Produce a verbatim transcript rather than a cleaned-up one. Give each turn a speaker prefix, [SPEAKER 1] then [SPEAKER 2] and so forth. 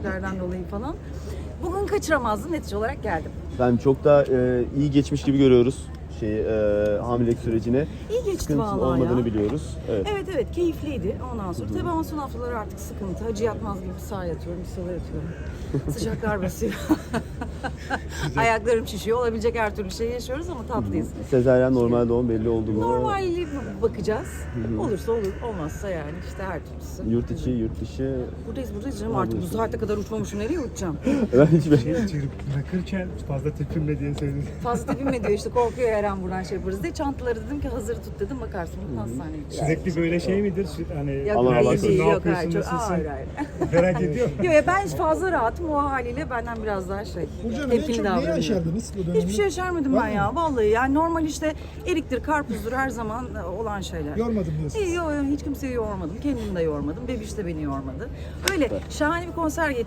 [SPEAKER 1] sebeplerden dolayı falan. Bugün kaçıramazdım, netice olarak geldim.
[SPEAKER 2] Ben çok da e, iyi geçmiş gibi görüyoruz şey e, hamilelik sürecini.
[SPEAKER 1] İyi geçti
[SPEAKER 2] Sıkıntı
[SPEAKER 1] vallahi
[SPEAKER 2] olmadığını
[SPEAKER 1] ya.
[SPEAKER 2] biliyoruz. Evet.
[SPEAKER 1] Evet evet, keyifliydi ondan sonra. Tabii ama son haftaları artık sıkıntı. Hacı yatmaz gibi bir sağa yatıyorum, bir sola yatıyorum. Sıcaklar basıyor. Ayaklarım şişiyor. Olabilecek her türlü şey yaşıyoruz ama tatlıyız.
[SPEAKER 2] Sezaryen normal doğum belli oldu mu?
[SPEAKER 1] Normali bakacağız. Olursa olur, olmazsa yani işte her türlüsü.
[SPEAKER 2] Yurt içi, yurt dışı.
[SPEAKER 1] Buradayız buradayız canım, artık bu saate kadar uçmamışım, nereye uçacağım?
[SPEAKER 2] Ben hiçbir
[SPEAKER 3] Şey, bırakırken fazla tepinme diye söyledim.
[SPEAKER 1] Fazla tepinme diyor işte, korkuyor her an buradan şey yaparız diye. Çantaları dedim ki hazır tut dedim, bakarsın bunu hastaneye gideceğiz.
[SPEAKER 3] Sürekli böyle şey midir? Sü- Hani
[SPEAKER 1] Yok
[SPEAKER 2] Allah Allah
[SPEAKER 1] hayır değil,
[SPEAKER 3] ne
[SPEAKER 1] yok
[SPEAKER 3] yapıyorsun,
[SPEAKER 1] hayır, çok,
[SPEAKER 3] nasılsın?
[SPEAKER 1] hayır hayır.
[SPEAKER 3] Merak ediyorum.
[SPEAKER 1] Yok ya, ben fazla rahatım, o haliyle benden biraz daha şey,
[SPEAKER 4] Burcu Hanım en
[SPEAKER 1] tepkili
[SPEAKER 4] çok neyi
[SPEAKER 1] davranıyorum.
[SPEAKER 4] yaşardınız bu dönemde?
[SPEAKER 1] Hiçbir şey yaşarmadım
[SPEAKER 4] Var
[SPEAKER 1] ben
[SPEAKER 4] mı?
[SPEAKER 1] ya vallahi, yani normal işte eriktir, karpuzdur her zaman olan şeyler.
[SPEAKER 4] Yormadım diyorsunuz.
[SPEAKER 1] İyi, yok, hiç kimseyi yormadım, kendimi de yormadım, bebiş de beni yormadı. Öyle şahane bir konser getirdim.